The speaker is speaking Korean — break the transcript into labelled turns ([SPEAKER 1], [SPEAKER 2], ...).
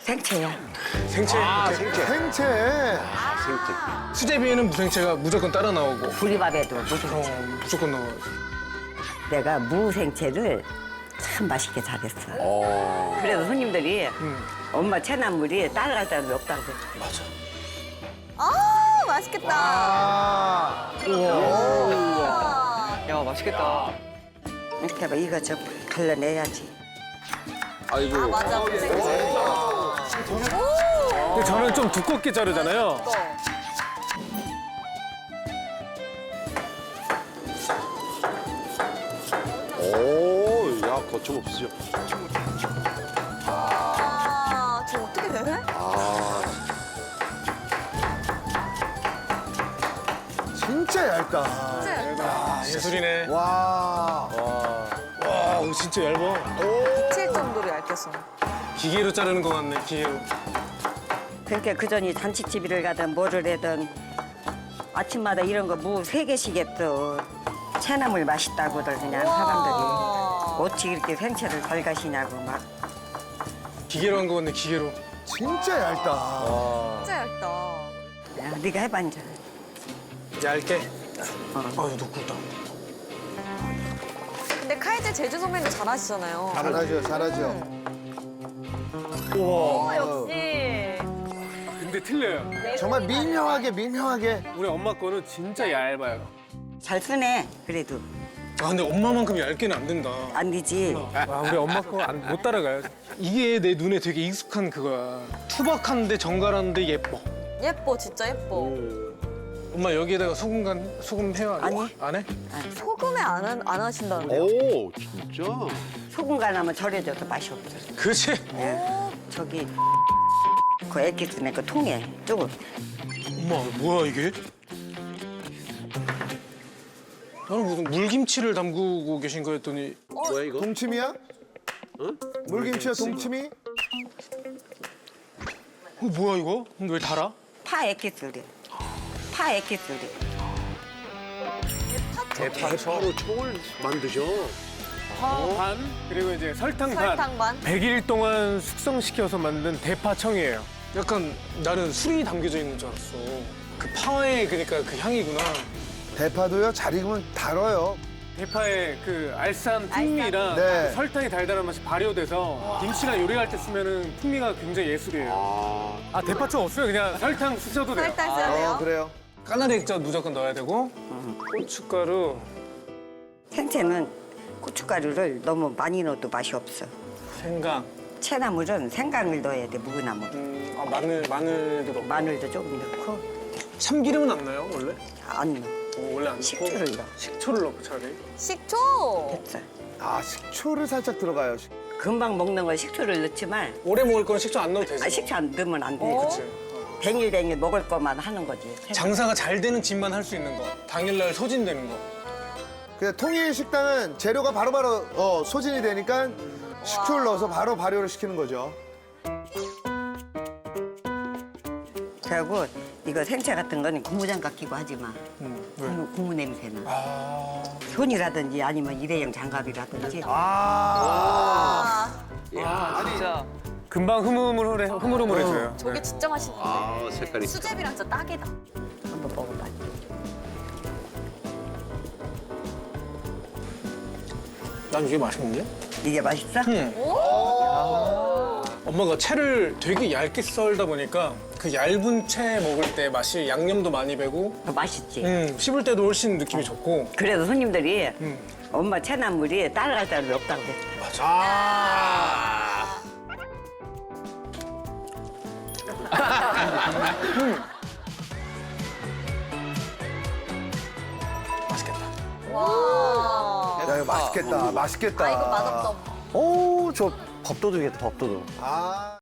[SPEAKER 1] 생채야.
[SPEAKER 2] 생채.
[SPEAKER 3] 생채.
[SPEAKER 4] 생채.
[SPEAKER 2] 수제비에는 무생채가 무조건 따라 나오고.
[SPEAKER 1] 부리밥에도 무슨
[SPEAKER 2] 무조건 나와요.
[SPEAKER 1] 내가 무생채를 참 맛있게 잘했어. 그래서 손님들이 엄마 채나물이 따라갈 사람이 없다고 그랬어.
[SPEAKER 2] 맞아.
[SPEAKER 5] 아, 맛있겠다.
[SPEAKER 4] 아.
[SPEAKER 6] 야, 맛있겠다.
[SPEAKER 1] 이렇게 해봐. 이거 좀 갈라내야지.
[SPEAKER 3] 아이고.
[SPEAKER 5] 아, 맞아. 생채.
[SPEAKER 2] 근데 저는 좀 두껍게 자르잖아요.
[SPEAKER 3] 오, 야, 거침없으죠.
[SPEAKER 5] 아, 저 어떻게 돼?
[SPEAKER 3] 아,
[SPEAKER 4] 진짜 얇다.
[SPEAKER 2] 아, 예술이네.
[SPEAKER 4] 와.
[SPEAKER 2] 와, 이거 진짜 얇아.
[SPEAKER 5] 미칠 정도로 얇게 써.
[SPEAKER 2] 기계로 자르는 것 같네, 기계로.
[SPEAKER 1] 그러니까 그전이 잔치집을 가든 뭐를 하든 아침마다 이런 거 무 3개씩 했어. 채나물 맛있다고들 그냥 사람들이. 어찌 이렇게 생채를 잘 가시냐고 막.
[SPEAKER 2] 기계로 한 거 같네, 기계로.
[SPEAKER 4] 진짜 얇다.
[SPEAKER 5] 진짜 얇다.
[SPEAKER 1] 야, 네가 해봐 이제.
[SPEAKER 2] 얇게. 아유, 두껍다.
[SPEAKER 5] 근데 칼질 제주 선배님도 잘하시잖아요.
[SPEAKER 4] 잘하죠, 잘하죠.
[SPEAKER 5] 오, 역시.
[SPEAKER 2] 근데 틀려요.
[SPEAKER 4] 정말 미묘하게.
[SPEAKER 2] 우리 엄마 거는 진짜 얇아요.
[SPEAKER 1] 잘 쓰네 그래도.
[SPEAKER 2] 아, 근데 엄마만큼 얇게는 안 된다.
[SPEAKER 1] 안 되지.
[SPEAKER 2] 아, 우리 엄마 거 못 따라가요. 이게 내 눈에 되게 익숙한 그거야. 투박한데 정갈한데 예뻐.
[SPEAKER 5] 예뻐, 진짜 예뻐.
[SPEAKER 2] 엄마 여기에다가 소금 해요?
[SPEAKER 1] 아니.
[SPEAKER 2] 안 해?
[SPEAKER 5] 소금에 안 하신다는데요?
[SPEAKER 3] 오, 진짜?
[SPEAKER 1] 소금 간하면 절여져도 맛이 없어.
[SPEAKER 2] 그렇지.
[SPEAKER 1] 저기 그 액기스네 그 통에 조금.
[SPEAKER 2] 엄마, 뭐야 이게? 나는 무슨 물김치를 담그고 계신 거였더니
[SPEAKER 3] 뭐야, 이거?
[SPEAKER 4] 동치미야? 물김치야, 동치미?
[SPEAKER 2] 뭐야 이거? 근데 왜 달아?
[SPEAKER 1] 파 액기스래. 파 액기스래.
[SPEAKER 3] 대파로 총을 만드셔.
[SPEAKER 2] 반 그리고 이제 설탕 반.
[SPEAKER 5] 설탕 반?
[SPEAKER 2] 100일 동안 숙성시켜서 만든 대파청이에요. 약간 나는 술이 담겨져 있는 줄 알았어. 그 파에 그러니까 그 향이구나.
[SPEAKER 4] 대파도요, 잘 익으면 달아요.
[SPEAKER 2] 대파의 그 알싸한 풍미랑
[SPEAKER 4] 네.
[SPEAKER 2] 그 설탕이 달달한 맛이 발효돼서 김치나 요리할 때 쓰면은 풍미가 굉장히 예술이에요. 아 대파청 없으면 그냥 설탕 쓰셔도 돼요.
[SPEAKER 5] 설탕 써야 돼요?
[SPEAKER 4] 그래요.
[SPEAKER 2] 까나리 액젓 무조건 넣어야 되고 고춧가루.
[SPEAKER 1] 생채는 고춧가루를 너무 많이 넣어도 맛이 없어.
[SPEAKER 2] 생강.
[SPEAKER 1] 채나물은 생강을 넣어야 돼, 무나물.
[SPEAKER 2] 아 마늘도 넣고.
[SPEAKER 1] 마늘도 조금 넣고
[SPEAKER 2] 참기름은 안 넣어요 원래?
[SPEAKER 1] 안 넣어.
[SPEAKER 2] 원래 안 넣고.
[SPEAKER 1] 식초를 넣어.
[SPEAKER 2] 식초를 넣고 차라리.
[SPEAKER 5] 식초!
[SPEAKER 1] 됐어.
[SPEAKER 4] 아, 식초를 살짝 들어가요.
[SPEAKER 1] 금방 먹는 건 식초를 넣지만
[SPEAKER 2] 오래 먹을 거는 식초 안 넣어도 되지.
[SPEAKER 1] 식초 안 넣으면 안 돼.
[SPEAKER 2] 그치.
[SPEAKER 1] 뱅일뱅일 먹을 것만 하는 거지.
[SPEAKER 2] 장사가 잘 되는 집만 할 수 있는 거. 당일날 소진되는 거.
[SPEAKER 4] 그냥 통일 식당은 재료가 바로바로 소진이 되니까 식초를 넣어서 바로 발효를 시키는 거죠.
[SPEAKER 1] 그리고 이거 생채 같은 거는 고무장갑 끼고 하지 마.
[SPEAKER 2] 왜?
[SPEAKER 1] 고무 냄새나.
[SPEAKER 2] 아.
[SPEAKER 1] 손이라든지 아니면 일회용 장갑이라든지.
[SPEAKER 5] 아,
[SPEAKER 6] 진짜.
[SPEAKER 2] 금방 흐물흐물해져요.
[SPEAKER 5] 저게 진짜 맛있는데.
[SPEAKER 3] 아, 색깔이.
[SPEAKER 5] 수제비랑 진짜 딱이다.
[SPEAKER 1] 한번 먹어봐.
[SPEAKER 2] 난 이게 맛있는데?
[SPEAKER 1] 이게 맛있어?
[SPEAKER 2] 응. 엄마가 채를 되게 얇게 썰다 보니까 그 얇은 채 먹을 때 맛이 양념도 많이 배고
[SPEAKER 1] 맛있지.
[SPEAKER 2] 씹을 때도 훨씬 느낌이 좋고.
[SPEAKER 1] 그래서 손님들이 엄마 채나물이 따라갈 사람이 없다고 그랬어.
[SPEAKER 2] 맞아. 맛있겠다.
[SPEAKER 5] 와.
[SPEAKER 4] 야, 이거 맛있겠다. 맛있겠다.
[SPEAKER 5] 아, 이거 맛없다.
[SPEAKER 4] 오, 저
[SPEAKER 6] 밥도둑이겠다, 밥도둑.
[SPEAKER 4] 아.